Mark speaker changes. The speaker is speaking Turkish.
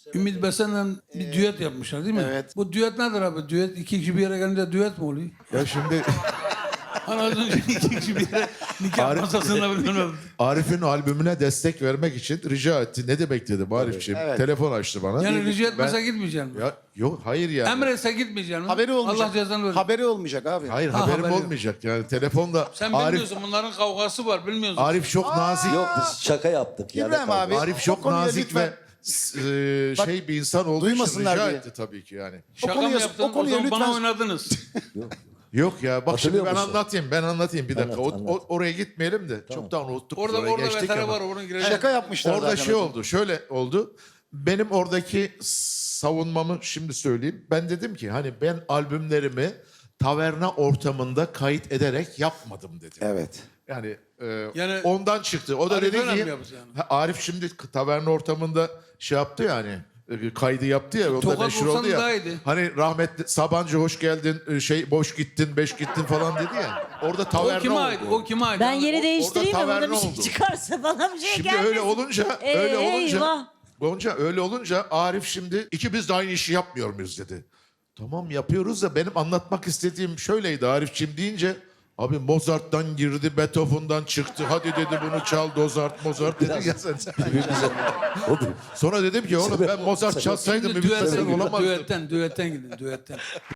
Speaker 1: Ümit Besen'le bir düet yapmışlar değil mi?
Speaker 2: Evet.
Speaker 1: Bu düet nedir abi? Düet iki kişi bir yere gelince düet mi oluyor?
Speaker 3: Ya şimdi
Speaker 1: Hani az önce iki kişi bir yere nikah
Speaker 3: Arif-
Speaker 1: masasında bilmem.
Speaker 3: Arif'in albümüne destek vermek için rica etti. Ne demek dedim Arif'ciğim?
Speaker 2: Evet.
Speaker 3: Telefon açtı bana.
Speaker 1: Yani rica
Speaker 3: Ben-
Speaker 1: etmese gitmeyeceksin.
Speaker 3: Ya yok hayır yani.
Speaker 1: Emretse gitmeyeceksin.
Speaker 2: Haberi olmayacak.
Speaker 1: Allah cezanı verir.
Speaker 2: Haberi olmayacak abi.
Speaker 3: Hayır
Speaker 1: Ha,
Speaker 3: haberim
Speaker 1: haberi yok.
Speaker 3: olmayacak yani telefonda.
Speaker 1: Sen
Speaker 3: Arif
Speaker 1: bilmiyorsun bunların kavgası var bilmiyorsun.
Speaker 3: Arif çok nazik.
Speaker 4: Yok biz şaka yaptık. ya.
Speaker 2: İbrahim abi.
Speaker 3: Arif
Speaker 2: o
Speaker 3: çok
Speaker 2: konuya
Speaker 3: nazik
Speaker 2: lütfen-
Speaker 3: ve
Speaker 2: Bak,
Speaker 3: şey bir insan olduğu için
Speaker 2: duymasınlar
Speaker 3: rica
Speaker 2: diye.
Speaker 3: etti tabii ki yani.
Speaker 1: Şaka
Speaker 2: konuya-
Speaker 1: mı yaptın?
Speaker 2: o konuya
Speaker 1: O zaman bana
Speaker 2: lütfen-
Speaker 1: oynadınız.
Speaker 3: Yok ya bak şimdi
Speaker 4: Hatırlıyor
Speaker 3: ben
Speaker 4: musun?
Speaker 3: anlatayım bir dakika.
Speaker 4: Anlat, anlat.
Speaker 3: oraya gitmeyelim de çoktan unuttuk. biz, oraya
Speaker 1: orada
Speaker 3: geçtik
Speaker 1: vetere
Speaker 3: ama.
Speaker 1: var onun girecek.
Speaker 2: Şaka yapmışlar
Speaker 3: Orada
Speaker 2: zaten
Speaker 3: şey
Speaker 2: hocam.
Speaker 3: oldu, şöyle oldu. Benim oradaki savunmamı şimdi söyleyeyim. Ben dedim ki hani ben albümlerimi taverna ortamında kayıt ederek yapmadım dedim.
Speaker 2: Evet.
Speaker 3: Yani,
Speaker 1: Yani
Speaker 3: ondan çıktı. O da
Speaker 1: Arif
Speaker 3: dedi
Speaker 1: öyle
Speaker 3: ki
Speaker 1: mi yapacak yani?
Speaker 3: Arif şimdi taverna ortamında şey yaptı yani kaydı yaptı ya. O da
Speaker 1: Tokat
Speaker 3: meşhur
Speaker 1: vursan
Speaker 3: oldu ya.
Speaker 1: daha iyiydi.
Speaker 3: Hani rahmetli Sabancı hoş geldin boş gittin beş gittin falan dedi ya. Orada taverna
Speaker 1: O kime
Speaker 3: oldu.
Speaker 1: ait? O kime ait?
Speaker 5: Ben yeri değiştireyim mi? Burada
Speaker 3: taverna
Speaker 5: bir şey
Speaker 3: oldu.
Speaker 5: çıkarsa bana bir şey
Speaker 3: Şimdi
Speaker 5: gelmesin.
Speaker 3: öyle olunca
Speaker 5: Eyvah.
Speaker 3: Gonca öyle olunca Arif şimdi ikimiz de aynı işi yapmıyor muyuz dedi. Tamam yapıyoruz da benim anlatmak istediğim şöyleydi Arifçim deyince abi Mozart'tan girdi, Beethoven'dan çıktı. Hadi dedi bunu çal Mozart dedi ya sen. Sonra dedim ki oğlum ben Mozart çalsaydım
Speaker 1: Şimdi
Speaker 3: Ümit Besen
Speaker 1: düetten,
Speaker 3: olamazdım.
Speaker 1: düetten gidin düetten.